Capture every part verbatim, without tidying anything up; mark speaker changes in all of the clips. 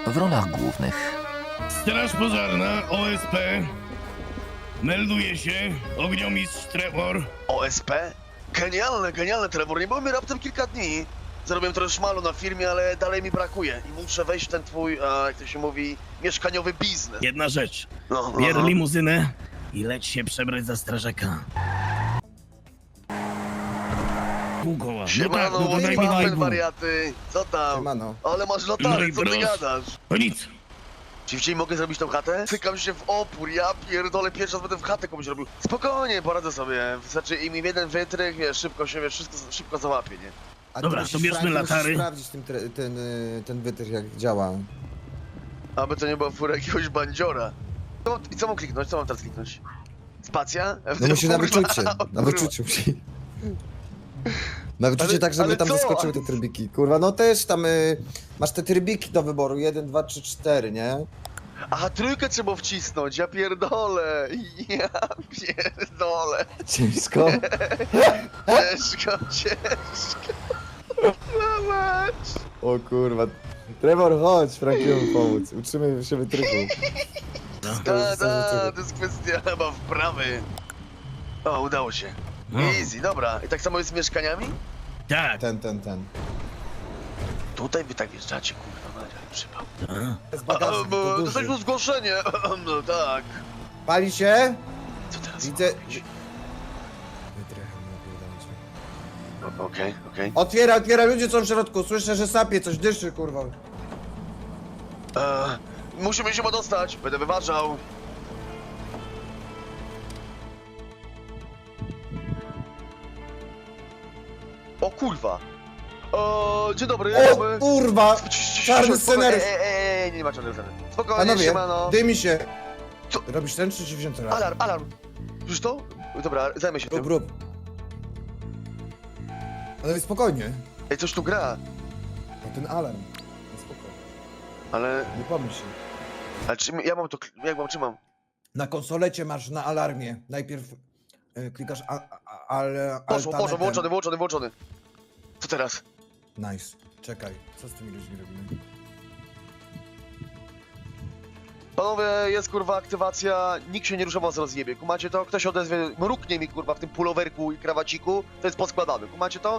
Speaker 1: w rolach głównych.
Speaker 2: Straż pożarna, O S P. Melduje się, ogniomistrz Trevor.
Speaker 3: O S P? Genialne, genialne, Trevor. Nie byłem raptem kilka dni. Zarobiłem trochę szmalu na firmie, ale dalej mi brakuje. I muszę wejść w ten twój, a, jak to się mówi, mieszkaniowy biznes.
Speaker 2: Jedna rzecz.
Speaker 3: No, no,
Speaker 2: Bier
Speaker 3: no.
Speaker 2: limuzynę i leć się przebrać za strażaka. Pół koła. No tak,
Speaker 3: Siemano,
Speaker 2: no to daj mi
Speaker 3: Paweł,
Speaker 2: daj pół.
Speaker 3: wariaty. Co tam?
Speaker 4: Siemano.
Speaker 3: Ale masz
Speaker 2: No
Speaker 3: latarę,
Speaker 2: i
Speaker 3: co ty
Speaker 2: proszę.
Speaker 3: gadasz?
Speaker 2: To nic.
Speaker 3: Czy wciąż mogę zrobić tą chatę? Cykam się w opór, ja pierdolę, pierwszy raz będę w chatę komuś robił. Spokojnie, poradzę sobie. Wystarczy im jeden wytrych, wiesz, szybko się, wiesz, wszystko szybko załapie, nie?
Speaker 4: A ty
Speaker 2: Dobra,
Speaker 4: musisz,
Speaker 2: to bierzmy
Speaker 4: Frank, musisz
Speaker 2: latary.
Speaker 4: sprawdzić ten, tre- ten, y, ten wytrych jak działa.
Speaker 3: Aby to nie była fura jakiegoś bandziora. Co, I co mam kliknąć? Co mam teraz kliknąć? Spacja?
Speaker 4: No musi na
Speaker 3: Kurwa,
Speaker 4: wyczucie, na
Speaker 3: kurwa.
Speaker 4: wyczuciu musi. Na wyczucie
Speaker 3: Ale-
Speaker 4: tak, żeby
Speaker 3: ale
Speaker 4: tam
Speaker 3: co?
Speaker 4: wyskoczyły te trybiki. Kurwa, no też tam y, masz te trybiki do wyboru, jeden, dwa, trzy, cztery, nie?
Speaker 3: Aha, trójkę trzeba wcisnąć, ja pierdolę. Ja pierdolę.
Speaker 4: Ciężko.
Speaker 3: Ciężko, ciężko. No mać.
Speaker 4: O kurwa. Trevor, chodź Frankiemu pomóc. Uczymy się wytrychu.
Speaker 3: Da, da, to jest kwestia chyba wprawy. O, udało się.
Speaker 2: No.
Speaker 3: Easy, dobra. I tak samo jest z mieszkaniami?
Speaker 2: Tak.
Speaker 4: Ten, ten, ten.
Speaker 3: Tutaj wy tak wjeżdżacie, kurwa, Maria, przypał.
Speaker 2: A.
Speaker 4: Z
Speaker 3: A,
Speaker 4: bagażnik,
Speaker 3: bo
Speaker 4: to
Speaker 3: dostaliśmy
Speaker 4: duży.
Speaker 3: zgłoszenie. No tak.
Speaker 4: Pali się?
Speaker 3: Co teraz?
Speaker 4: Widzę...
Speaker 3: mam robić?
Speaker 4: Wytrychem, nie pierdolę cię.
Speaker 3: O, Okej, okej.
Speaker 4: Otwiera, otwiera, ludzie są w środku. Słyszę, że sapie, coś dyszy, kurwa.
Speaker 3: Eee, Musimy się dostać, będę wyważał. O kurwa. Eee, dzień dobry,
Speaker 4: O
Speaker 3: mamy...
Speaker 4: kurwa! Czarny
Speaker 3: Spokojnie,
Speaker 4: scenariusz!
Speaker 3: Ej, ej, ej, nie ma czarnego scenariusza. Spokojnie,
Speaker 4: Panowie,
Speaker 3: siemano.
Speaker 4: dymi się.
Speaker 3: Co?
Speaker 4: Robisz ten, czy ci wziąć teraz?
Speaker 3: Alarm, alarm. Już to? Dobra, zajmę się
Speaker 4: Rób,
Speaker 3: tym.
Speaker 4: rób. Ale spokojnie.
Speaker 3: Ej, coś tu gra.
Speaker 4: No ten alarm. No spokojnie.
Speaker 3: Ale...
Speaker 4: Nie pomyśl się.
Speaker 3: Ale czy ja mam to... Jak mam, czy mam?
Speaker 4: Na konsolecie masz na alarmie. Najpierw e, klikasz a, a, ale.
Speaker 3: Poszło, poszło, włączony, włączony, włączony. Co teraz?
Speaker 4: Nice. Czekaj, co z tymi ludźmi robimy?
Speaker 3: Panowie, jest kurwa aktywacja, nikt się nie rusza, was rozjebie. Kumacie to? Ktoś odezwie, mruknie mi kurwa w tym pulowerku i krawaciku, to jest poskładany. Kumacie to?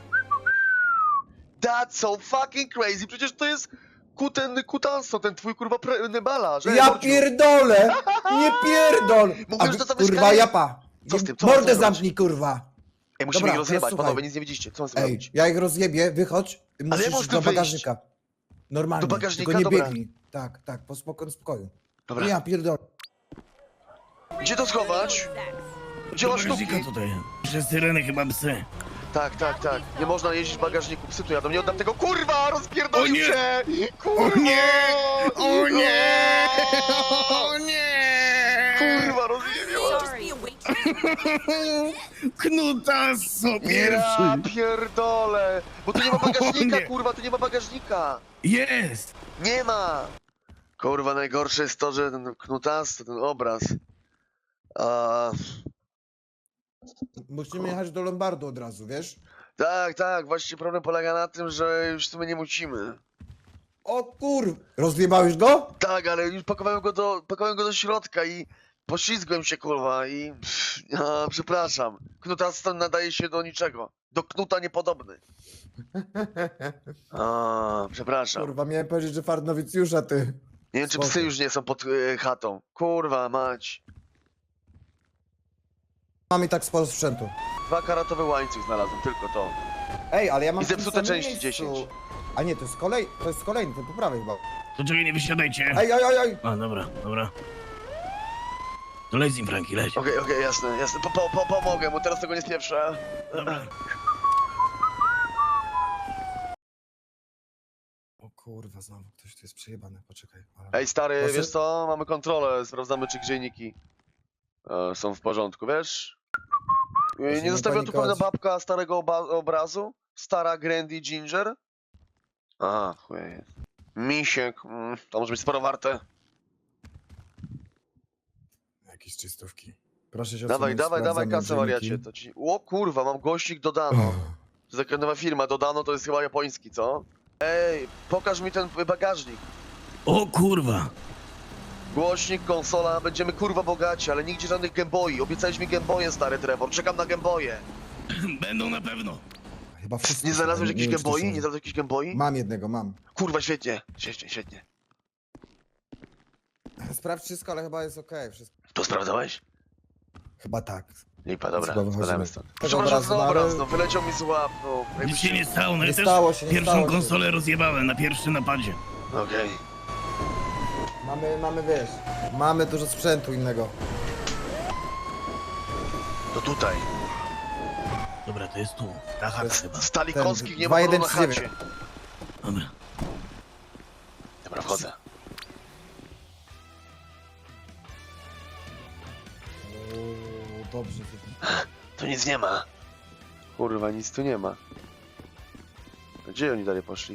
Speaker 3: That's so fucking crazy, przecież to jest kuten, kutanstwo, ten twój kurwa pre, nebala, że
Speaker 4: Ja
Speaker 3: Mordziu.
Speaker 4: pierdolę! Nie pierdol!
Speaker 3: Mówisz,
Speaker 4: A
Speaker 3: że
Speaker 4: wy-
Speaker 3: to
Speaker 4: kurwa
Speaker 3: mieszkanie-
Speaker 4: japa!
Speaker 3: Co z tym? Co
Speaker 4: Mordę
Speaker 3: chcesz robić?
Speaker 4: zamknij, kurwa!
Speaker 3: Ej, musimy
Speaker 4: Dobra,
Speaker 3: ich rozjebać,
Speaker 4: teraz słuchaj.
Speaker 3: panowie, nic nie widzicie, co mam z tym
Speaker 4: Ej,
Speaker 3: robić?
Speaker 4: ja ich rozjebię, wychodź. Musisz
Speaker 3: jak mam
Speaker 4: do
Speaker 3: tu wyjść?
Speaker 4: bagażnika. Normalnie.
Speaker 3: Do bagażnika?
Speaker 4: Tylko nie
Speaker 3: Dobra.
Speaker 4: biegnij. Tak, tak, po spoko- spokoju.
Speaker 3: Dobra,
Speaker 4: Ja pierdolę.
Speaker 3: gdzie to schować? Gdzie masz sztuki?
Speaker 2: Bagażnika tutaj. Przez syreny chyba psy.
Speaker 3: Tak, tak, tak. Nie można jeździć w bagażniku, psy tu jadą, nie oddam tego, kurwa, rozpierdolił
Speaker 2: O nie!
Speaker 3: się! Kurwa!
Speaker 2: O nie! O nie! O nie!
Speaker 3: Kurwa, rozjebiła!
Speaker 2: Knutasso
Speaker 3: Ja
Speaker 2: pierwszy!
Speaker 3: pierdolę! Bo tu nie ma
Speaker 2: O
Speaker 3: bagażnika,
Speaker 2: nie.
Speaker 3: kurwa, tu nie ma bagażnika!
Speaker 2: Jest!
Speaker 3: Nie ma! Kurwa, najgorsze jest to, że ten knutas, ten obraz... A,
Speaker 4: Musimy jechać do Lombardu od razu, wiesz?
Speaker 3: tak, tak, właściwie problem polega na tym, że już w sumie nie musimy.
Speaker 4: O kur... Rozjebałeś go?
Speaker 3: Tak, ale już pakowałem go do, pakowałem go do środka i poślizgłem się, kurwa, i... Pff, a, przepraszam. Knutas ten nadaje się do niczego. Do knuta niepodobny. A, przepraszam.
Speaker 4: Kurwa, miałem powiedzieć, że fart nowicjusza, ty.
Speaker 3: Nie wiem, czy
Speaker 4: Spoko.
Speaker 3: psy już nie są pod e, chatą. Kurwa, mać.
Speaker 4: Mam i tak sporo sprzętu.
Speaker 3: Dwa karatowe łańcuch znalazłem, tylko to.
Speaker 4: Ej, ale ja mam
Speaker 3: I
Speaker 4: w tym
Speaker 3: zepsute
Speaker 4: samym
Speaker 3: części
Speaker 4: miejscu.
Speaker 3: dziesięć.
Speaker 4: A nie, to jest kolej... To jest kolejny, to po prawej chyba.
Speaker 2: To czekaj, nie wysiadajcie.
Speaker 4: Ej, ej, ej, ej!
Speaker 2: A, dobra, dobra. To leć z nim, Franki, leć.
Speaker 3: Okej, okej, jasne, jasne. Po, po, po, pomogę, bo teraz tego nie spieprzę.
Speaker 2: Dobra.
Speaker 4: O kurwa, znowu ktoś tu jest przejebany, poczekaj. Ale...
Speaker 3: Ej, stary,
Speaker 4: Proszę?
Speaker 3: wiesz co? Mamy kontrolę, sprawdzamy, czy grzejniki e, są w porządku, wiesz? E,
Speaker 4: Proszę
Speaker 3: Nie
Speaker 4: nie
Speaker 3: zostawiła tu pewna
Speaker 4: panikować.
Speaker 3: babka starego oba obrazu? Stara Grandy Ginger? Aha, chuj. Misiek, mm, to może być sporo warte.
Speaker 4: Jakieś czystówki. Proszę się
Speaker 3: Dawaj,
Speaker 4: odsunąć,
Speaker 3: dawaj, dawaj
Speaker 4: sprawdzamy
Speaker 3: kasę, wariacie.
Speaker 4: dzienniki.
Speaker 3: To ci... O kurwa, mam gościk Dodano.
Speaker 4: Och.
Speaker 3: To jest taka nowa firma, Dodano to jest chyba japoński, co? Ej, pokaż mi ten bagażnik.
Speaker 2: O kurwa.
Speaker 3: Głośnik, konsola, będziemy kurwa bogaci, ale nigdzie żadnych gęboi. Obiecałeś mi gęboje, stary Trevor, czekam na gęboje.
Speaker 2: Będą na pewno.
Speaker 4: Chyba wszyscy.
Speaker 3: Nie znalazłeś
Speaker 4: są,
Speaker 3: jakichś
Speaker 4: wiem, czy to
Speaker 3: gęboi?
Speaker 4: są.
Speaker 3: Nie znalazłeś jakichś gęboi?
Speaker 4: Mam jednego, mam.
Speaker 3: Kurwa, świetnie, świetnie, świetnie.
Speaker 4: Sprawdź wszystko, ale chyba jest okej. Wszystko.
Speaker 3: To sprawdzałeś?
Speaker 4: Chyba tak.
Speaker 3: Lipa, dobra,
Speaker 4: Chyba wychodzimy.
Speaker 3: spadamy stąd.
Speaker 4: Tego
Speaker 3: Przepraszam
Speaker 4: obrazu,
Speaker 3: za
Speaker 4: no,
Speaker 3: obraz,
Speaker 4: ale-
Speaker 3: no wyleciał mi z łap, no.
Speaker 2: Nic
Speaker 3: jakby
Speaker 2: się nie stało, no
Speaker 4: Nie
Speaker 2: ja też
Speaker 4: stało się, nie
Speaker 2: pierwszą
Speaker 4: stało się.
Speaker 2: konsolę rozjebałem na pierwszym napadzie.
Speaker 3: Okej.
Speaker 4: Mamy, mamy, wiesz, mamy dużo sprzętu innego.
Speaker 3: To tutaj.
Speaker 2: Dobra, to jest tu. Ta chata chyba.
Speaker 3: Stali
Speaker 4: Ten
Speaker 3: kąskich nie
Speaker 4: dwa
Speaker 3: ma
Speaker 4: jeden
Speaker 3: na
Speaker 4: trzy
Speaker 3: chacie.
Speaker 4: dziewięć.
Speaker 2: Dobra.
Speaker 3: Dobra, wchodzę.
Speaker 4: O, dobrze.
Speaker 3: Tu nic nie ma. Kurwa, nic tu nie ma. Gdzie oni dalej poszli?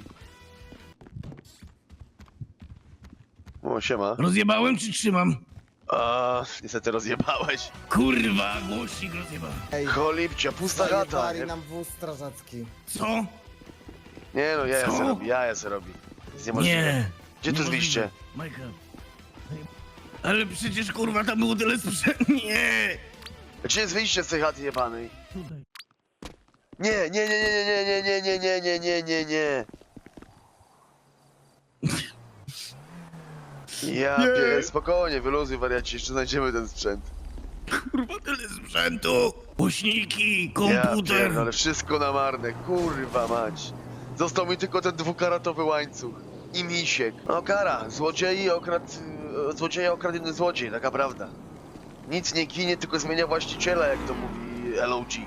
Speaker 3: O, siema.
Speaker 2: Rozjebałem czy trzymam?
Speaker 3: A, niestety rozjebałeś.
Speaker 2: Kurwa, głośnik rozjebałem.
Speaker 4: Ej,
Speaker 3: Cholipcia, pusta chata.
Speaker 4: zajebali
Speaker 3: Nie,
Speaker 4: nam wóz strażacki.
Speaker 2: Co?
Speaker 3: nie no, ja
Speaker 2: Co?
Speaker 3: se robi, ja se robi. Jest niemożliwe.
Speaker 2: Nie.
Speaker 3: Gdzie tu
Speaker 2: Niemożliwe.
Speaker 3: zwyjście?
Speaker 2: Michael. Ale przecież kurwa tam było tyle sprzętu. Nie.
Speaker 3: Gdzie jest wyjście z tej chaty jebanej?
Speaker 2: Tutaj.
Speaker 3: Nie, nie, nie, nie, nie, nie, nie, nie, nie, nie, nie, nie. Ja
Speaker 2: Nie.
Speaker 3: pier... spokojnie, wyluzuj wariaci, jeszcze znajdziemy ten sprzęt.
Speaker 2: Kurwa tyle sprzętu. Głośniki,
Speaker 3: Ja
Speaker 2: komputer.
Speaker 3: pier... ale wszystko na marne, kurwa mać. Został mi tylko ten dwukaratowy łańcuch. I misiek. No kara, złodziei okradł... e, Złodzieja okradł inny złodziej, taka prawda. Nic nie ginie, tylko zmienia właściciela, jak to mówi L O G.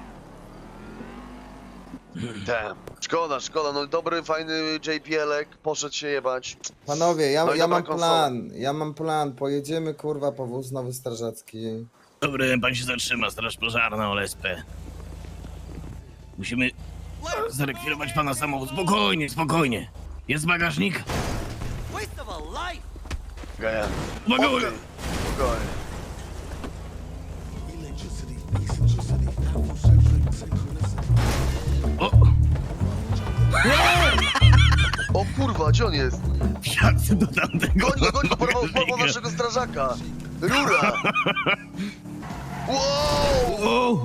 Speaker 3: Damn. Szkoda, szkoda, no dobry, fajny J P L-ek, poszedł się jebać.
Speaker 4: Panowie, ja,
Speaker 3: No i
Speaker 4: ja
Speaker 3: dobra
Speaker 4: mam
Speaker 3: konsola.
Speaker 4: plan, ja mam plan. Pojedziemy kurwa po wóz nowy strażacki.
Speaker 2: Dobry, pan się zatrzyma, straż pożarna, O S P. Musimy zarekwirować pana samochód. Spokojnie, spokojnie. Jest bagażnik?
Speaker 1: Waste of a life!
Speaker 3: Gaja.
Speaker 2: Uwaga,
Speaker 3: Okej,
Speaker 2: uwaga.
Speaker 3: spokojnie.
Speaker 2: O!
Speaker 3: O kurwa, gdzie on jest?
Speaker 2: Wsiadł do tamtego.
Speaker 3: Goń go, goń go, porwał, porwał
Speaker 2: bagażnika.
Speaker 3: naszego strażaka! Rura! Wow!
Speaker 2: O!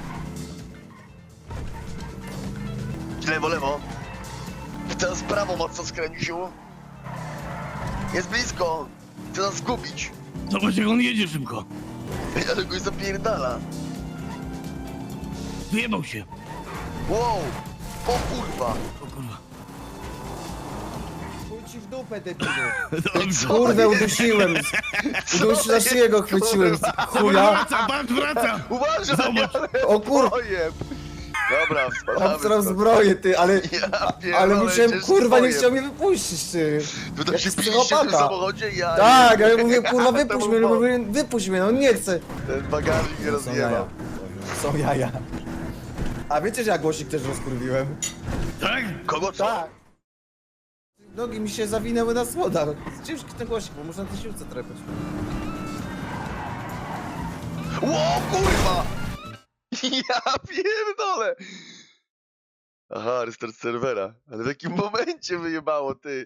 Speaker 3: Lewo, lewo. Teraz prawo mocno skręcił. Jest blisko. Chce nas zgubić.
Speaker 2: Zobacz jak on jedzie szybko.
Speaker 3: Ale go zapierdala.
Speaker 2: Wyjebał się.
Speaker 3: Wow! O kurwa!
Speaker 2: O kurwa.
Speaker 4: Chuj ci w dupę, debilu.
Speaker 2: Dobrze.
Speaker 4: Kurwę udusiłem. Uduś na szyję go chwyciłem. Chuja.
Speaker 2: Wraca, patrz, wraca.
Speaker 3: Uważaj!
Speaker 2: Zobacz.
Speaker 3: ale-
Speaker 4: O kur...
Speaker 3: Ojeb. Dobra, spadamy
Speaker 4: Obstram
Speaker 3: stąd.
Speaker 4: zbroję, ty, ale...
Speaker 3: Ja pierdolę,
Speaker 4: Ale musiałem,
Speaker 3: ciężki
Speaker 4: kurwa, nie
Speaker 3: pojeb.
Speaker 4: chciał mnie wypuścić, ty.
Speaker 3: Wy tam
Speaker 4: Jak
Speaker 3: się biliście w
Speaker 4: psychopata.
Speaker 3: tym samochodzie? Ja
Speaker 4: Tak,
Speaker 3: nie-
Speaker 4: ale mówię, kurwa, wypuść
Speaker 3: To
Speaker 4: mnie,
Speaker 3: był
Speaker 4: no
Speaker 3: błąd.
Speaker 4: mówię, wypuść mnie, no nie chcę.
Speaker 3: Ten bagażnik mnie
Speaker 4: Są jaja.
Speaker 3: rozjebał.
Speaker 4: Są jaja. A wiecie, że ja głosik też rozkurwiłem?
Speaker 2: Tak?
Speaker 3: Kogo co?
Speaker 4: Tak. Nogi mi się zawinęły na słodach. Ciężki ten głosik, bo muszę na tej siłce trepać.
Speaker 3: Ło, kurwa! Ja pierdolę! Aha, restart serwera. Ale w jakim momencie wyjebało, ty?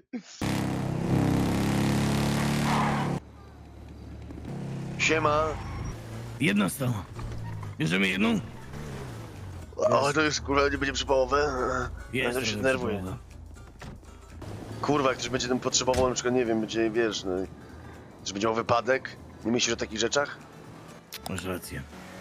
Speaker 3: Siema.
Speaker 2: Jedna stała. Bierzemy jedną?
Speaker 3: O, to już kurwa nie będzie przypałowe. Ja to się
Speaker 2: trochę
Speaker 3: denerwuję.
Speaker 2: przypomnę.
Speaker 3: Kurwa, jak ktoś będzie tym potrzebował, na przykład, nie wiem, będzie, wiesz, no, że będzie miał wypadek. Nie myślisz o takich rzeczach?
Speaker 2: Masz rację.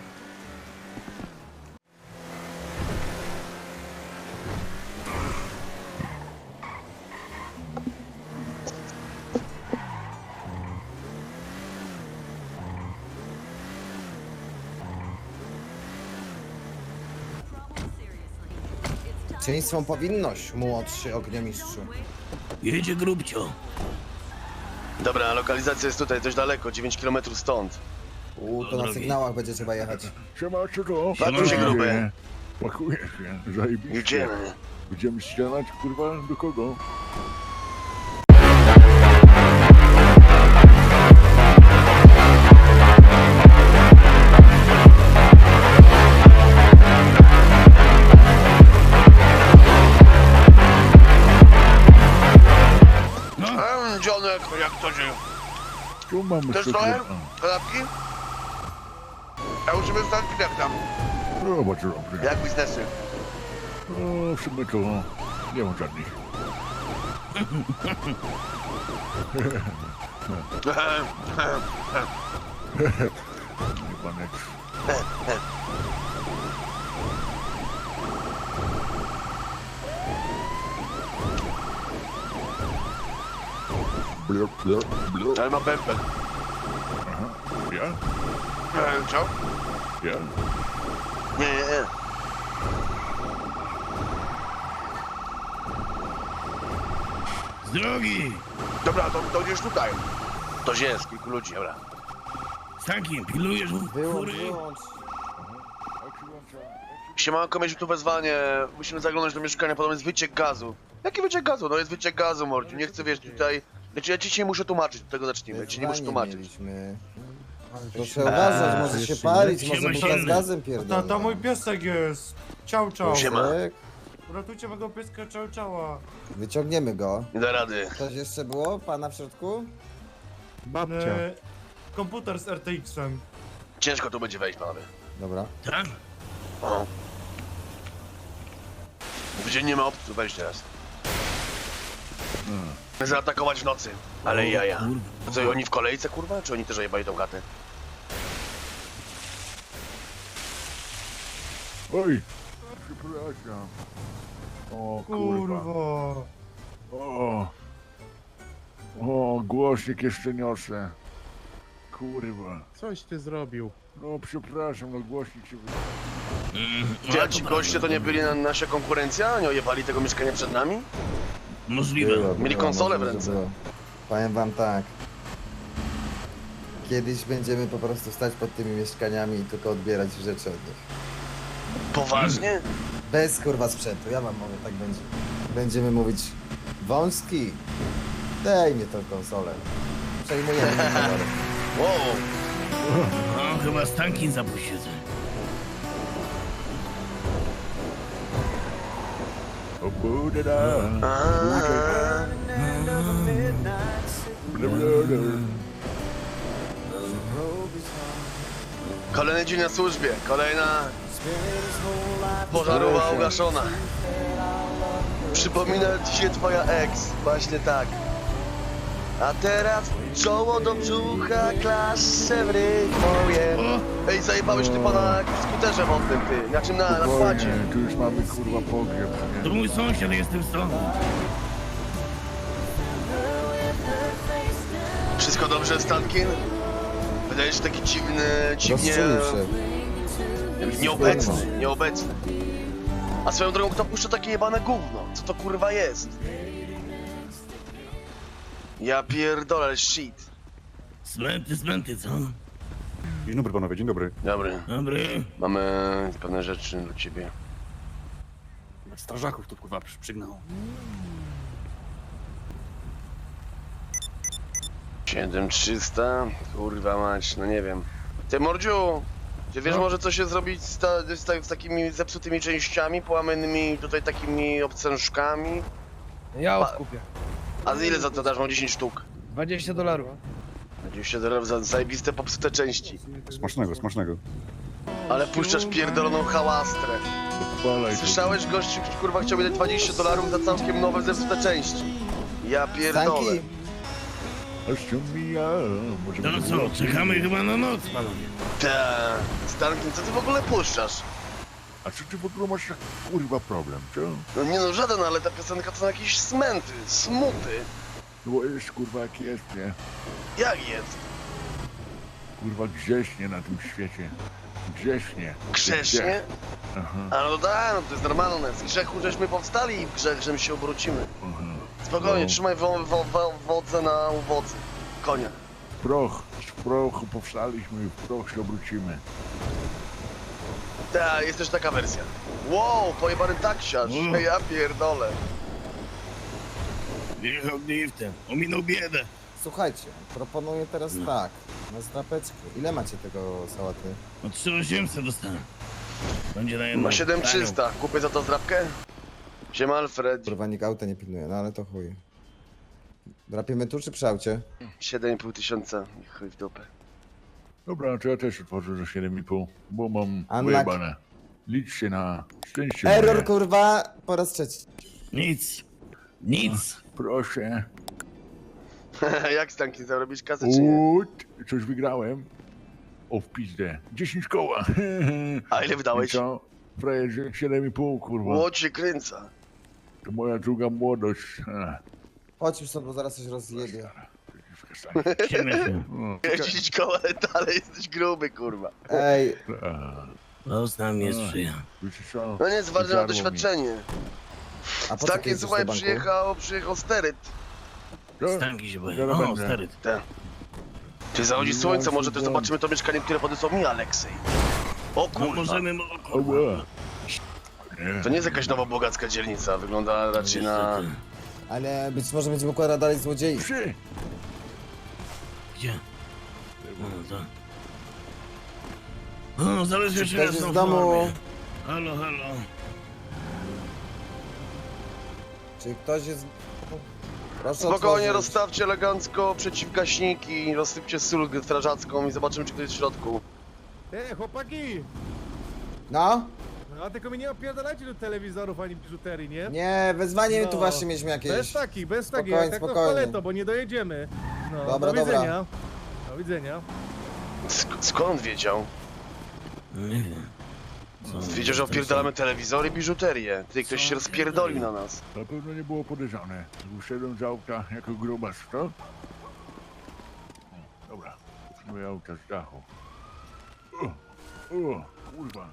Speaker 4: Cieństwą powinność, młodszy ogniomistrzu.
Speaker 2: Jedzie grubcio.
Speaker 3: Dobra, lokalizacja jest tutaj, dość daleko, dziewięć kilometrów stąd.
Speaker 4: U, to
Speaker 2: Do
Speaker 4: na
Speaker 2: drogi.
Speaker 4: sygnałach będzie trzeba jechać.
Speaker 5: Siemaczego.
Speaker 3: Pakuj się, gruby.
Speaker 5: Pakuję się, zajebiście.
Speaker 3: Jedziemy.
Speaker 5: Będziemy ścianać, kurwa, do kogo?
Speaker 2: No,
Speaker 3: Dzionek, jak to się...
Speaker 5: Tu mamy
Speaker 3: Też trochę?
Speaker 5: sekret.
Speaker 3: Kanapki? A u ciebie stanki jak tam?
Speaker 5: No, bardzo dobrze.
Speaker 3: Jak biznesy?
Speaker 5: No, w sumie to nie mam żadnych. Nie panek. Blur, blur, blur.
Speaker 3: Ale ma pępel.
Speaker 5: Ja?
Speaker 3: E, Co?
Speaker 5: Ja?
Speaker 3: Nie, nie, nie.
Speaker 2: Z drogi!
Speaker 3: Dobra, to, to gdzieś tutaj. To jest, kilku ludzi, dobra.
Speaker 2: Stankin, pilnujesz
Speaker 4: Wyłącz,
Speaker 2: fury?
Speaker 4: wyłącz.
Speaker 5: Jak się włącza?
Speaker 3: Siemanko, mieliśmy tu wezwanie. Musimy zaglądać do mieszkania, podobno jest wyciek gazu. Jaki wyciek gazu? No jest wyciek gazu, mordziu. Nie chcę, wiesz, tutaj... Znaczy, ja ci się nie muszę tłumaczyć, od tego zacznijmy. Ja ci nie muszę
Speaker 4: Wyzwanie
Speaker 3: tłumaczyć.
Speaker 4: mieliśmy. Proszę uważać, może się palić,
Speaker 2: Siema,
Speaker 4: może buta z
Speaker 2: siema.
Speaker 4: gazem
Speaker 6: To,
Speaker 4: pierdolę.
Speaker 6: to mój piesek jest. Ciao, ciao.
Speaker 3: Siema.
Speaker 4: Tak,
Speaker 6: Uratujcie mego pieska, ciao, ciała.
Speaker 4: wyciągniemy go.
Speaker 3: Nie da rady.
Speaker 4: Coś jeszcze było? Pana w środku?
Speaker 7: Babcia.
Speaker 6: E, komputer z R T X-em.
Speaker 3: Ciężko tu będzie wejść, panowie.
Speaker 4: Dobra.
Speaker 2: Tak?
Speaker 3: O. W dzień nie ma opcji, weź teraz. Zaatakować w nocy. Ale jaja.
Speaker 2: Kurwa.
Speaker 3: Co, oni w kolejce, kurwa? Czy oni też ojebali tą gatę?
Speaker 5: Oj! Przepraszam. O kurwa.
Speaker 6: Kurwa.
Speaker 5: O! O, głośnik jeszcze niosę. Kurwa.
Speaker 7: Coś ty zrobił.
Speaker 5: No przepraszam, no głośnik się... wy-
Speaker 2: Mm,
Speaker 3: Czy
Speaker 2: no,
Speaker 3: a ci goście to nie byli na nasza konkurencja? Nie ojebali tego mieszkania przed nami?
Speaker 2: Możliwe.
Speaker 4: Było,
Speaker 3: Mieli
Speaker 4: było,
Speaker 3: konsolę w
Speaker 4: może,
Speaker 3: ręce.
Speaker 4: że było. Powiem wam tak. Kiedyś będziemy po prostu stać pod tymi mieszkaniami i tylko odbierać rzeczy od nich.
Speaker 3: Poważnie?
Speaker 4: Bez kurwa sprzętu, ja wam mówię, tak będzie. Będziemy mówić wąski. Daj mi tą konsolę. Przejmujemy numer.
Speaker 3: Wow.
Speaker 2: No, chyba Stankin zapuścił.
Speaker 5: O buda.
Speaker 3: Aaaa.
Speaker 5: Bla, bla, bla.
Speaker 3: Kolejny dzień na służbie. Kolejna pożarowa ugaszona. Przypomina ci się twoja ex. Właśnie tak. A teraz czoło do brzucha, klasze w rytm moje. Ej, zajebałeś ty pana skuterze wodnym, ty. Na czym na, na kładzie.
Speaker 5: Spokojnie, tu już mamy kurwa pogrzeb,
Speaker 2: To
Speaker 5: nie?
Speaker 2: mój sąsiad, jestem stąd.
Speaker 3: Wszystko dobrze, Stankin? Wydajesz się taki dziwny, dziwnie...
Speaker 4: Rozczulił się.
Speaker 3: Nieobecny, nieobecny. A swoją drogą, kto puszcza takie jebane gówno? Co to kurwa jest? Ja pierdolę, ale shit.
Speaker 2: Smęty, smęty, co?
Speaker 7: Dzień dobry panowie, dzień dobry.
Speaker 3: Dobry,
Speaker 2: Dobry.
Speaker 3: mamy pewne rzeczy do ciebie.
Speaker 7: Strażaków tu kurwa przy- przygnał.
Speaker 3: siedem trzysta, kurwa mać, no nie wiem. Ty Mordziu, ty wiesz
Speaker 7: No.
Speaker 3: może co się zrobić z, ta, z, ta, z takimi zepsutymi częściami, połamanymi tutaj takimi obcężkami?
Speaker 8: Ja
Speaker 3: Pa-
Speaker 8: odkupię.
Speaker 3: A za ile za to dasz? Mam dziesięć sztuk.
Speaker 8: dwadzieścia dolarów.
Speaker 3: dwadzieścia dolarów za zajebiste popsute części.
Speaker 7: Smacznego, smacznego.
Speaker 3: Ale puszczasz pierdoloną hałastrę.
Speaker 5: Odpalaj to.
Speaker 3: Słyszałeś, gościu, kurwa, chciał mi dać dwadzieścia dolarów za całkiem nowe zepsute części. Ja pierdolę.
Speaker 4: Stanki,
Speaker 5: Aż się mija. Może
Speaker 2: To no
Speaker 5: będzie
Speaker 2: co,
Speaker 5: lepiej.
Speaker 2: czekamy chyba na noc, panowie.
Speaker 3: Ta, Stankin, co ty w ogóle puszczasz?
Speaker 5: A czy ty w ogóle masz taki kurwa problem, co?
Speaker 3: No nie no, żaden, ale ta piosenka to są jakieś smęty, smuty.
Speaker 5: No bo jest kurwa jak jest, nie?
Speaker 3: Jak jest?
Speaker 5: Kurwa grześnie na tym świecie. Grześnie.
Speaker 3: Grzecznie?
Speaker 5: Aha,
Speaker 3: A no tak, no to jest normalne. Z grzechu żeśmy powstali i w grzech żem się obrócimy.
Speaker 5: aha.
Speaker 3: Spokojnie,
Speaker 5: No.
Speaker 3: trzymaj wo, wo, wo, wodze na uwodzy. Konia.
Speaker 5: Proch, z prochu powstaliśmy i w proch się obrócimy.
Speaker 3: Tak, jest też taka wersja. Wow, pojebany taksiarz.
Speaker 2: Mm.
Speaker 3: Ja pierdolę.
Speaker 2: Wjechał driftem, ominął biedę.
Speaker 4: słuchajcie, proponuję teraz tak. Na zdrapeczkę. Ile macie tego sałaty?
Speaker 2: No trzy osiemset dostałem. Będzie na jedną.
Speaker 3: Ma siedem trzysta. Kupię za to zdrabkę? Siema Alfred.
Speaker 4: Kurwa, nikt auta nie pilnuje, no ale to chuj. Drapiemy tu czy przy aucie?
Speaker 3: siedem i pół tysiąca, chuj w dupę.
Speaker 5: Dobra, to ja też otworzę za siedem i pół, bo mam
Speaker 4: Unlucky.
Speaker 5: wyjebane. Liczcie na szczęście
Speaker 4: Error
Speaker 5: moje.
Speaker 4: kurwa po raz trzeci.
Speaker 2: Nic. Nic.
Speaker 5: Proszę.
Speaker 3: Jak Stankin zarobić kasę czy nie?
Speaker 5: Ut, coś wygrałem. O, w pizdę. dziesięć koła.
Speaker 3: A ile
Speaker 5: I
Speaker 3: wydałeś?
Speaker 5: co? Frajerze, siedem i pół, kurwa.
Speaker 3: Łódź się kręca.
Speaker 5: To moja druga młodość. Ech,
Speaker 4: Chodź już stąd, bo zaraz coś rozjebie.
Speaker 5: przeciwko stanie.
Speaker 2: Ciemę się.
Speaker 5: O,
Speaker 3: dziesięć koła, ale dalej jesteś gruby, kurwa.
Speaker 4: Ej,
Speaker 5: ech,
Speaker 2: Los nam nie sprzyja.
Speaker 5: wiecie co?
Speaker 3: No nie, jest ważne na
Speaker 5: Zjadło mi.
Speaker 3: doświadczenie.
Speaker 4: a po co ty
Speaker 3: Stankin,
Speaker 4: jedziesz
Speaker 3: słuchaj,
Speaker 4: do banku?
Speaker 3: przyjechał, przyjechał steryt.
Speaker 5: Co?
Speaker 2: Stanki się boję.
Speaker 5: Zaraz
Speaker 2: O,
Speaker 5: będę.
Speaker 2: stary.
Speaker 3: Ten. Czy zachodzi słońce, może też zobaczymy to mieszkanie, które podesłał mi Aleksej. O
Speaker 2: No
Speaker 3: kurwa.
Speaker 2: możemy... O,
Speaker 5: O,
Speaker 2: kurwa.
Speaker 5: ła. Nie.
Speaker 3: To nie jest jakaś nowa bogacka dzielnica, wygląda raczej na...
Speaker 2: Niestety.
Speaker 4: Ale być może będziemy układać dalej złodziei.
Speaker 5: Psy.
Speaker 2: Gdzie? No to... O, zależy
Speaker 4: Czy
Speaker 2: się
Speaker 4: ktoś
Speaker 2: na
Speaker 4: jest
Speaker 2: są
Speaker 4: w domu?
Speaker 2: formie. Halo, halo.
Speaker 4: Czy ktoś jest... Proszę
Speaker 3: Spokojnie,
Speaker 4: otworzyć.
Speaker 3: rozstawcie elegancko przeciwgaśniki, rozsypcie sól strażacką i zobaczymy, czy ktoś jest w środku.
Speaker 9: Ej, chłopaki!
Speaker 4: No?
Speaker 9: No, a tylko mi nie opierdalajcie do telewizorów ani biżuterii, nie?
Speaker 4: Nie, wezwanie
Speaker 9: No.
Speaker 4: tu właśnie mieliśmy
Speaker 9: Bez
Speaker 4: jakieś.
Speaker 9: takich, bez takich,
Speaker 4: Spokojnie,
Speaker 9: jak tak to
Speaker 4: spokojnie.
Speaker 9: paleto, bo nie dojedziemy. No,
Speaker 4: Dobra,
Speaker 9: do
Speaker 4: dobra.
Speaker 9: widzenia. Do widzenia.
Speaker 3: Sk- skąd wiedział?
Speaker 2: No nie wiem. Co?
Speaker 3: Wiedział, że opierdalamy telewizory i biżuterię. Ty, ktoś
Speaker 2: Co
Speaker 3: się rozpierdolił na nas.
Speaker 5: Na pewno nie było podejrzane. Wyszedłem z auta jako grubas, co? O, dobra, moje auta z dachu. O, o, kurwa.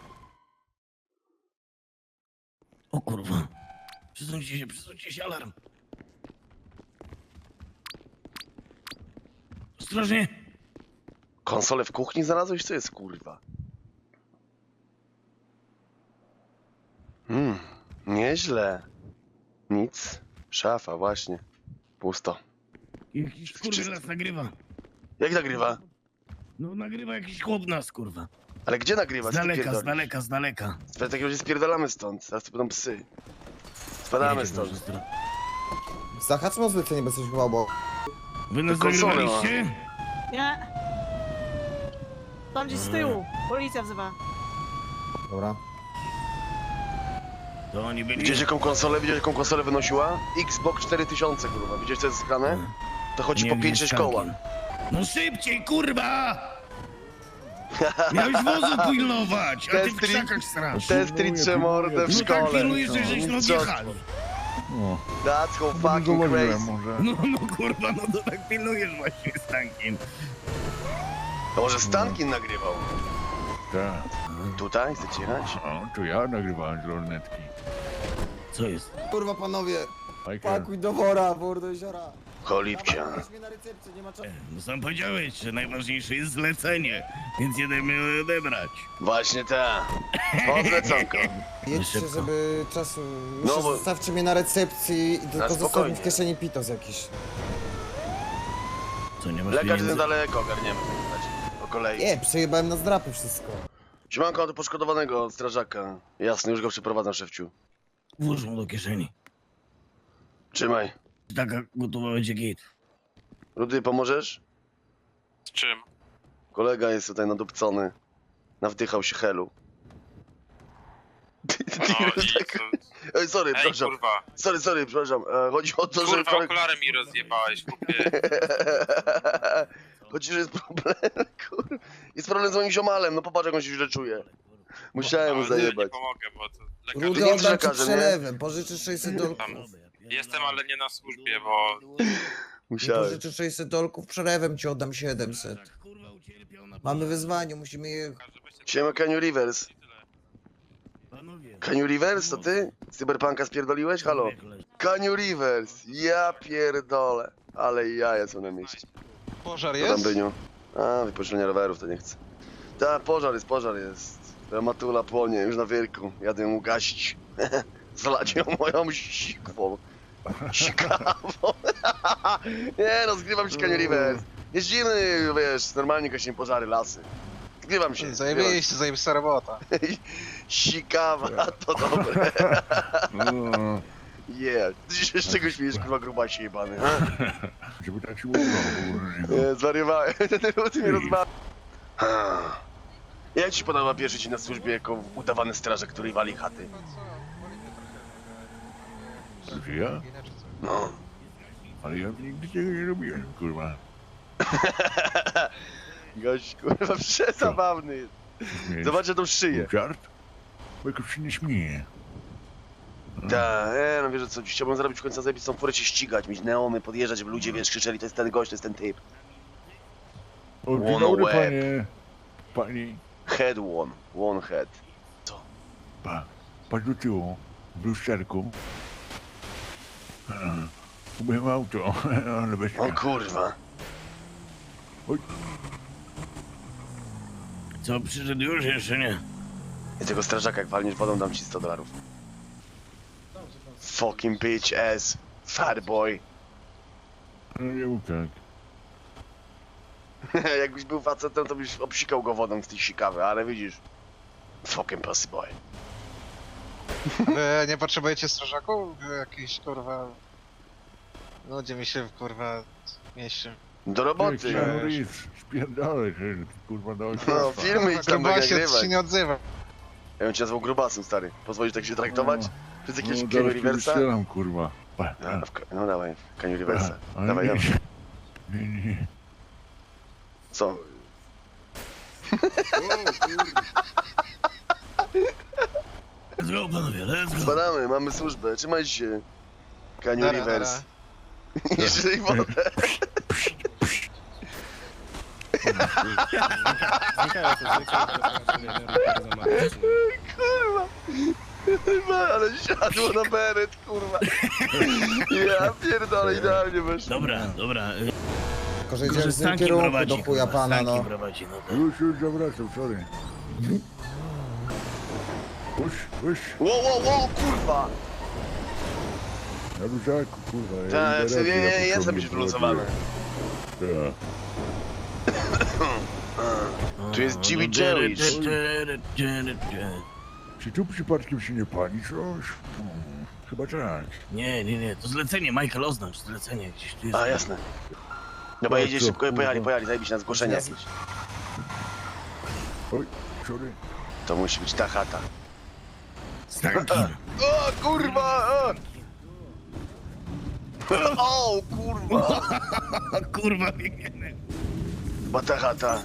Speaker 2: O kurwa. Przesuńcie się, przesuńcie się, alarm. Ostrożnie.
Speaker 3: Konsolę w kuchni znalazłeś? Co jest, kurwa? Hmm, nieźle. Nic. Szafa, właśnie. Pusto.
Speaker 2: Jakiś kurwa nas nagrywa.
Speaker 3: Jak nagrywa?
Speaker 2: No nagrywa jakiś chłop nas, kurwa.
Speaker 3: Ale gdzie nagrywa?
Speaker 2: Z
Speaker 3: Co ty
Speaker 2: daleka, z
Speaker 3: pierdolisz?
Speaker 2: daleka, z daleka.
Speaker 3: W takim razie spierdalamy stąd. Zaraz to będą psy. Spadamy
Speaker 2: Jedzie
Speaker 3: stąd.
Speaker 2: dobrze, stro-
Speaker 4: Zahaczmy o zlecenie, bo coś chyba było.
Speaker 2: Wy nas
Speaker 3: To konsolę
Speaker 2: nagrywaliście?
Speaker 10: Nie. Tam gdzieś z tyłu. Policja wzywa.
Speaker 4: Dobra.
Speaker 2: To oni byli...
Speaker 3: Widziałeś jaką konsolę? Widziałeś jaką konsolę wynosiła? Xbox cztery tysiące, kurwa. Widziałeś co jest zgrane? To chodzi
Speaker 2: Nie
Speaker 3: po
Speaker 2: wiem,
Speaker 3: pięć sześć
Speaker 2: Stankin.
Speaker 3: koła.
Speaker 2: No szybciej, kurwa! Miałeś wozu pilnować, a ty w
Speaker 3: Testry-
Speaker 2: krzakach strasz.
Speaker 3: Testricze mordę w
Speaker 2: No tak
Speaker 3: szkole.
Speaker 2: pilnujesz, że żeś no
Speaker 3: Co?
Speaker 2: odjechali.
Speaker 5: O,
Speaker 3: That's how
Speaker 5: nie
Speaker 3: fucking
Speaker 5: zauważyłem
Speaker 3: crazy.
Speaker 5: może.
Speaker 2: No, no kurwa, no to tak pilnujesz właśnie, Stankin.
Speaker 3: To może Stankin nagrywał?
Speaker 5: Tak.
Speaker 3: Tutaj? Chcecie jechać?
Speaker 5: O, to ja nagrywałem z lornetki.
Speaker 2: Co jest?
Speaker 4: Kurwa panowie,
Speaker 5: Michael,
Speaker 4: pakuj do wora, wór do jeziora.
Speaker 3: Cholipcia.
Speaker 4: Weź mnie na recepcję, nie ma czasu.
Speaker 2: No sam powiedziałeś, że najważniejsze jest zlecenie, więc jedziemy je odebrać.
Speaker 3: Właśnie ta. O, zleconko.
Speaker 4: Jedźcie,
Speaker 2: Szybko.
Speaker 4: żeby czasu...
Speaker 3: No
Speaker 4: Jeszcze
Speaker 3: bo-
Speaker 4: zostawcie mnie na recepcji i tylko zostaw mi
Speaker 3: spokojnie.
Speaker 4: w kieszeni pitos jakiś.
Speaker 2: Co, nie masz
Speaker 3: Lekarz
Speaker 2: pieniędzy?
Speaker 3: niedaleko, ogarniemy w takim razie. Po kolei.
Speaker 4: Nie, przejebałem na zdrapy wszystko.
Speaker 3: Siemanko do poszkodowanego od strażaka. Jasne, już go przeprowadzam, szefciu.
Speaker 2: Włóż mu do kieszeni.
Speaker 3: Trzymaj.
Speaker 2: Taka gotowa będzie git.
Speaker 3: Rudy, pomożesz?
Speaker 11: Z czym?
Speaker 3: Kolega jest tutaj nadupcony. Nawdychał się helu.
Speaker 11: No i
Speaker 3: Tak-
Speaker 11: co?
Speaker 3: Ej, sorry,
Speaker 11: Ej,
Speaker 3: przepraszam.
Speaker 11: kurwa.
Speaker 3: Sorry, sorry, przepraszam. E, Chodzi o to, że...
Speaker 11: Kurwa,
Speaker 3: koleg-
Speaker 11: okulary mi rozjebałeś, chłopie.
Speaker 3: Chodzi, że jest problem, kur... Jest problem z moim ziomalem, no popatrz jak on się źle czuje. Musiałem mu
Speaker 11: Ale nie
Speaker 3: zajebać.
Speaker 11: pomogę, bo to
Speaker 3: Ty
Speaker 11: lekarz...
Speaker 3: nie
Speaker 4: Rudy,
Speaker 3: jesteś
Speaker 4: oddam ci
Speaker 3: lekarzem, nie?
Speaker 4: przelewem, pożyczysz sześćset dolków.
Speaker 11: Tam. Jestem, ale nie na służbie, bo...
Speaker 4: Nie
Speaker 3: Musiałem.
Speaker 4: pożyczysz sześćset dolków, przelewem ci oddam siedemset.
Speaker 2: Kurwa ucierpiał na...
Speaker 4: Mamy wyzwanie, musimy je...
Speaker 3: Siema, Canyon Rivers.
Speaker 2: Panowie.
Speaker 3: Canyon Rivers, to ty? Z Cyberpunka spierdoliłeś? Halo? Canyon Rivers, ja pierdolę. Ale jaja są na mieście.
Speaker 11: Pożar
Speaker 3: Co tam, Byniu? A, wypożyczenie rowerów to nie chcę. Tak, pożar jest, pożar jest. Moja matula płonie, już na wielku. Jadę ją ugasić. Zlać ją moją sikwą. Sikawą. Nie no, zgrywam się, Canyon Rivers. Jest zimny, wiesz, normalnie gasimy pożary, lasy. Zgrywam się.
Speaker 11: Zajebiście, zajebista robota.
Speaker 3: Sikawa, to dobre.
Speaker 5: o,
Speaker 3: Yeah. Ty się z czego śmiejesz, kurwa, grubasie jebany, ha?
Speaker 5: Żeby tak się udało.
Speaker 3: Nie, zwariowałem. Ty mnie rozmawiasz. Jak ci się podoba pierwszy dzień na służbie jako udawany strażak, który wali chaty?
Speaker 5: Czy ja?
Speaker 3: No.
Speaker 5: Ale ja nigdy tego nie robiłem, kurwa.
Speaker 3: Gość, kurwa, przezabawny jest.
Speaker 5: Śmiejesz?
Speaker 3: Zobaczę tą szyję.
Speaker 5: Żart? Bo jakoś się nie śmieje.
Speaker 3: Tak, e, no wiesz co, chciałbym zrobić w końcu zajebistą furę się ścigać, mieć neony, podjeżdżać, żeby ludzie, wiesz, krzyczeli, to jest ten gość, to jest ten typ.
Speaker 5: O, dzień
Speaker 3: One
Speaker 5: dobry,
Speaker 3: łeb.
Speaker 5: panie. Pani,
Speaker 3: Head one, one head.
Speaker 5: pa, patrz do tyłu, w lusterku. E, Umyłem auto, ale bez
Speaker 3: O kurwa.
Speaker 2: Co, przyszedł już? Jeszcze nie.
Speaker 3: I tego strażaka, jak walniesz wodą, dam ci sto dolarów. Fucking bitch ass, fat boy.
Speaker 5: No nie mów tak.
Speaker 3: Jakbyś był facetem, to byś obsikał go wodą z tej sikawy, ale widzisz. Fucking pussy boy.
Speaker 11: Wy nie potrzebujecie strażaków? Wy jakiś kurwa... Ludzie mi się kurwa mieści.
Speaker 3: Do
Speaker 5: Ty,
Speaker 3: roboty.
Speaker 5: Keanu Reeves, spierdolę, że kurwa do
Speaker 3: No,
Speaker 5: ojca.
Speaker 3: filmy idź tam
Speaker 11: Gruba się,
Speaker 3: nagrywać.
Speaker 11: się nie odzywa.
Speaker 3: Ja bym cię nazwał grubasem, stary. Pozwolisz tak się traktować? Przez jakiegoś
Speaker 5: No,
Speaker 3: Kenny
Speaker 5: zaraz cię
Speaker 3: Riversa?
Speaker 5: wystrzelam, kurwa. Pa,
Speaker 3: No,
Speaker 5: pa.
Speaker 3: w, no dawaj, Kenny Riversa.
Speaker 5: Ale
Speaker 3: Dawaj,
Speaker 5: nie,
Speaker 3: dawaj.
Speaker 5: Nie, nie.
Speaker 3: Co?
Speaker 2: Let's go, panowie, let's go.
Speaker 3: Spadamy, mamy służbę, trzymaj się. Kenny
Speaker 11: Nara,
Speaker 3: Rivers. Nie żyj wodę. Kurwa. Kurwa, ale siadło na beret, kurwa. Ja pierdolę, idealnie weszło.
Speaker 2: Dobra, dobra. y,
Speaker 4: Tylko, że
Speaker 2: Tylko,
Speaker 4: idziemy
Speaker 2: że
Speaker 4: w tym
Speaker 2: Stanki
Speaker 4: kierunku
Speaker 2: prowadzi.
Speaker 4: do chuja
Speaker 2: kurwa,
Speaker 4: pana,
Speaker 2: Stanki
Speaker 4: no.
Speaker 2: prowadzi, no to...
Speaker 5: Już, już zawracam, sorry. Puść, puść.
Speaker 3: Ło, ło, ło, kurwa.
Speaker 5: Na luzaku, kurwa. ja
Speaker 3: Tak,
Speaker 5: idę
Speaker 3: ja, ja,
Speaker 5: raczej
Speaker 3: ja
Speaker 5: na
Speaker 3: jestem
Speaker 5: początku
Speaker 3: już wyluzowany.
Speaker 5: Tak.
Speaker 3: Tu jest
Speaker 2: no,
Speaker 3: Jimmy
Speaker 2: no,
Speaker 3: Jerry.
Speaker 2: dy, dy, dy, dy, dy, dy.
Speaker 5: Czy tu przypadkiem się nie pani coś? Hmm, chyba tak.
Speaker 2: Nie, nie, nie, to zlecenie, Michael, oznacz zlecenie gdzieś tu jest.
Speaker 3: A, jasne. Dobra,
Speaker 5: No,
Speaker 3: jedziesz
Speaker 5: co,
Speaker 3: szybko, pojechali,
Speaker 5: kurwa?
Speaker 3: pojechali, zajebiście na zgłoszenie jakieś.
Speaker 5: Oj, sorry.
Speaker 3: To musi być ta chata.
Speaker 2: Stanki.
Speaker 3: O, kurwa! O, o kurwa!
Speaker 2: Kurwa, biegniemy.
Speaker 3: Chyba ta chata.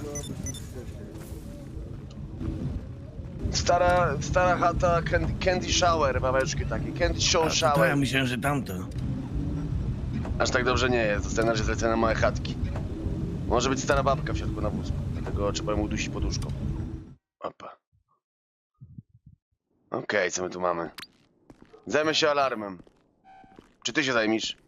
Speaker 3: Stara, stara chata Candy, candy Shower, babeczki takie. Candy Show
Speaker 2: A, to, to ja
Speaker 3: Shower.
Speaker 2: myślałem, że tamto.
Speaker 3: Aż tak dobrze nie jest, zostałem na razie zlecone na małe chatki. Może być stara babka w środku na wózku, dlatego trzeba ją udusić poduszką. Opa. Okej, co my tu mamy? Zajmę się alarmem. Czy ty się zajmiesz?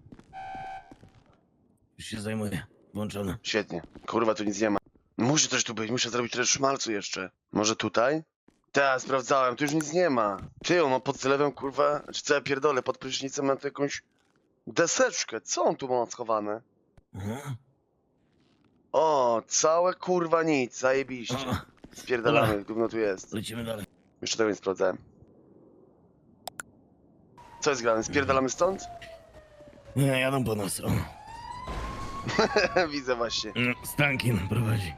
Speaker 2: Już się zajmuję. Włączone.
Speaker 3: Świetnie. Kurwa, tu nic nie ma. Muszę coś tu być, muszę zrobić trochę szmalcu jeszcze. Może tutaj? Tak, sprawdzałem, tu już nic nie ma. Ty, on ma pod zlewem, kurwa, czy co ja pierdolę, pod prysznicem mam tu jakąś deseczkę. Co on tu ma schowane?
Speaker 2: Aha.
Speaker 3: O, całe kurwa nic, zajebiście.
Speaker 2: O,
Speaker 3: Spierdalamy, gówno tu jest.
Speaker 2: lecimy dalej.
Speaker 3: Jeszcze tego nie sprawdzałem. Co jest grane? Spierdalamy stąd?
Speaker 2: Nie, jadą po nas. O.
Speaker 3: Widzę właśnie.
Speaker 2: No, Stankin prowadzi.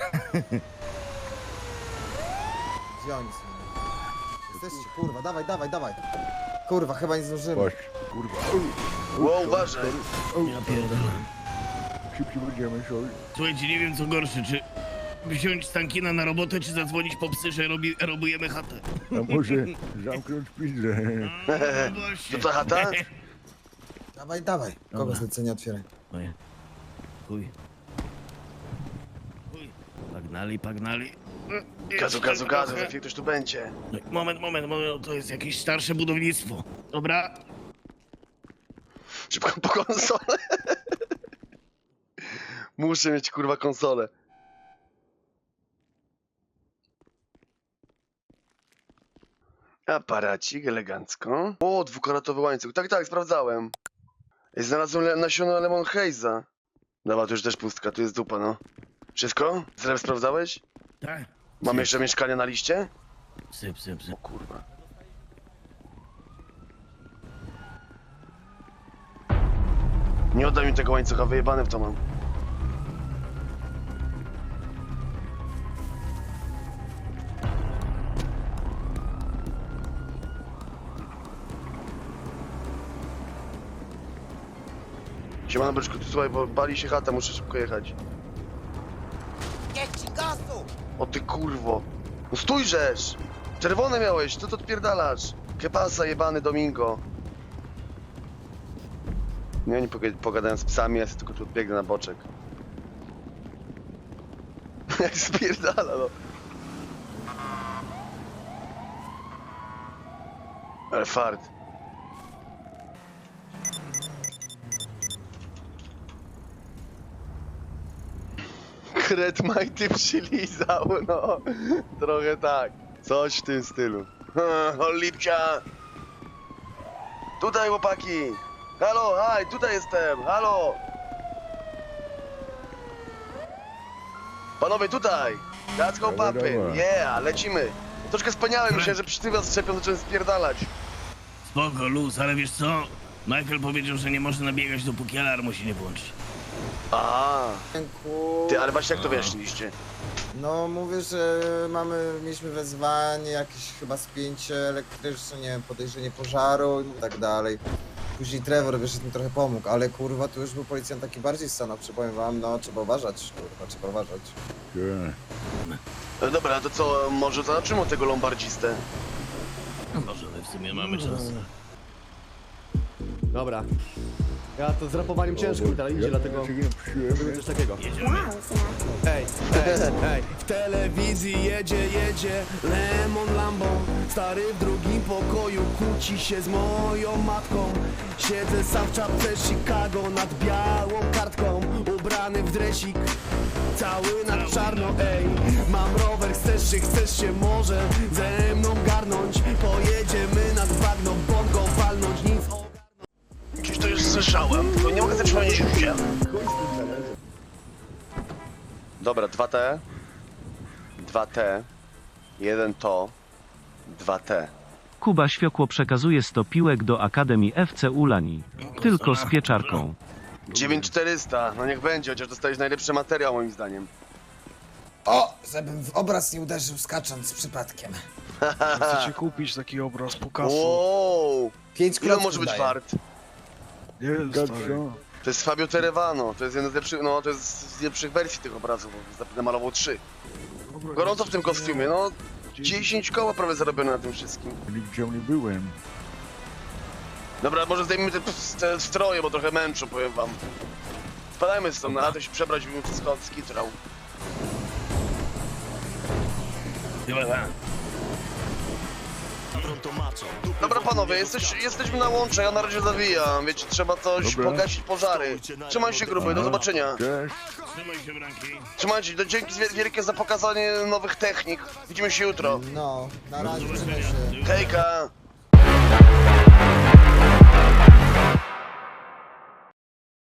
Speaker 4: Gdzie oni są? Jesteście, kurwa, dawaj, dawaj, dawaj. Kurwa, chyba nie zdążymy.
Speaker 5: Właśnie, kurwa.
Speaker 3: Ło, uważaj.
Speaker 2: Ja pierdolę.
Speaker 5: Szybciej będziemy, sorry.
Speaker 2: Słuchajcie, nie wiem co gorsze, czy wziąć Stankina na robotę, czy zadzwonić po psy, że robi, robujemy chatę.
Speaker 5: A może zamknąć pizdę?
Speaker 2: No właśnie.
Speaker 3: To ta chata?
Speaker 4: Dawaj, dawaj. Kogo
Speaker 2: Dobra.
Speaker 4: zlecenie otwieraj?
Speaker 2: Moje. Chuj. Chuj. Pagnali, pagnali.
Speaker 3: Gazu, gazu, gazu, za chwilę ktoś tu będzie.
Speaker 2: No, moment, moment, moment, to jest jakieś starsze budownictwo. Dobra?
Speaker 3: Szybko po konsolę. Muszę mieć kurwa konsolę. Aparacik, elegancko. O, dwukaratowy łańcuch. Tak, tak, sprawdzałem. I znalazłem le nasiona Lemon Haze'a. Dobra, tu już też pustka, tu jest dupa, no. Wszystko? Zresztą sprawdzałeś?
Speaker 2: Tak.
Speaker 3: Mam jeszcze mieszkanie na liście?
Speaker 2: Psy, psy, psy.
Speaker 3: O kurwa. Nie oddaj mi tego łańcucha, wyjebane w to mam. Siemano byczku, tu słuchaj, bo bali się chata, muszę szybko jechać.
Speaker 1: Get ci gasu!
Speaker 3: O ty kurwo. No stójrzesz! Czerwone miałeś, co to odpierdalasz? Kepasa jebany Domingo. Nie, oni poga- pogadają z psami, ja sobie tylko tu odbiegnę na boczek. Jak spierdala, no. Ale fart. Kret majty przylizał, no. Trochę tak. Coś w tym stylu. O, lipcia! Tutaj, chłopaki! Halo, haj, tutaj jestem, halo! Panowie, tutaj! Let's go,
Speaker 5: Dawaj,
Speaker 3: papy!
Speaker 5: dawaj.
Speaker 3: Yeah, lecimy! Troszkę spaniałem, myślałem, że przy tym was szczepią, zacząłem spierdalać.
Speaker 2: Spoko, luz, ale wiesz co? Michael powiedział, że nie można biegać, dopóki alarmu się nie włączy.
Speaker 3: A,
Speaker 4: Dziękuję.
Speaker 3: ty, ale właśnie jak to wyjaśniliście?
Speaker 4: No mówię, że mamy, mieliśmy wezwanie, jakieś chyba spięcie elektryczne, nie wiem, podejrzenie pożaru i tak dalej. Później Trevor wyszedł mi trochę pomógł, ale kurwa tu już był policjant taki bardziej stanowczy, powiem wam, no trzeba uważać, kurwa, trzeba uważać.
Speaker 5: Tak.
Speaker 3: No dobra, to co, może zobaczymy tego lombardzistę?
Speaker 2: Może w sumie mamy czas.
Speaker 9: Dobra. Ja to z rapowaniem ciężko mi teraz idzie, dlatego
Speaker 5: Ja cię nie przyjemnie.
Speaker 9: zrobię coś takiego.
Speaker 2: Jedziemy.
Speaker 9: Hej, hej, hej. W telewizji jedzie, jedzie Lemon Lambo. Stary w drugim pokoju kłóci się z moją matką. Siedzę sam w czapce Chicago nad białą kartką. Ubrany w dresik, cały na czarno, ej. Mam rower, chcesz się, chcesz się może ze mną garnąć. Pojedziemy nad bagno, bongo walnąć, nic o...
Speaker 3: Gdzieś to już słyszałem, tylko nie mogę sobie przypomnieć gdzie. Dobra, dwa T. dwa T. jeden to. dwa T.
Speaker 12: Kuba Świokło przekazuje sto piłek do Akademii F C Ulani. Tylko z pieczarką.
Speaker 3: dziewięć czterysta, no niech będzie, chociaż dostałeś najlepszy materiał moim zdaniem.
Speaker 4: O, żebym w obraz nie uderzył skacząc przypadkiem.
Speaker 5: Chcecie kupić taki obraz Pokasu?
Speaker 3: Wow!
Speaker 4: Pięć
Speaker 3: Ile
Speaker 4: klocków
Speaker 3: może być
Speaker 4: daję.
Speaker 3: wart?
Speaker 5: Nie wiem, stary.
Speaker 3: To jest Fabio Terevano, to jest jeden z lepszych, no to jest z lepszych wersji tych obrazów, bo namalował trzy. Gorąco w tym kostiumie, no dziesięć koła prawie zarobione na tym wszystkim.
Speaker 5: Nigdzie nie byłem.
Speaker 3: Dobra, może zdejmijmy te, te stroje, bo trochę męczą, powiem wam. Spadajmy stąd, na to się przebrać, bym wszystko skitrał.
Speaker 2: Chyba tak.
Speaker 3: Dobra panowie, jesteś, jesteśmy na łącze, ja na razie zawijam, wiecie, trzeba coś
Speaker 5: Dobra.
Speaker 3: pogasić pożary. Trzymaj się gruby, do zobaczenia.
Speaker 5: Cześć.
Speaker 2: Trzymaj się, Branki.
Speaker 3: Trzymajcie, do dzięki wiel- wielkie za pokazanie nowych technik. Widzimy się jutro.
Speaker 4: No, na razie, trzymaj się.
Speaker 3: Hejka!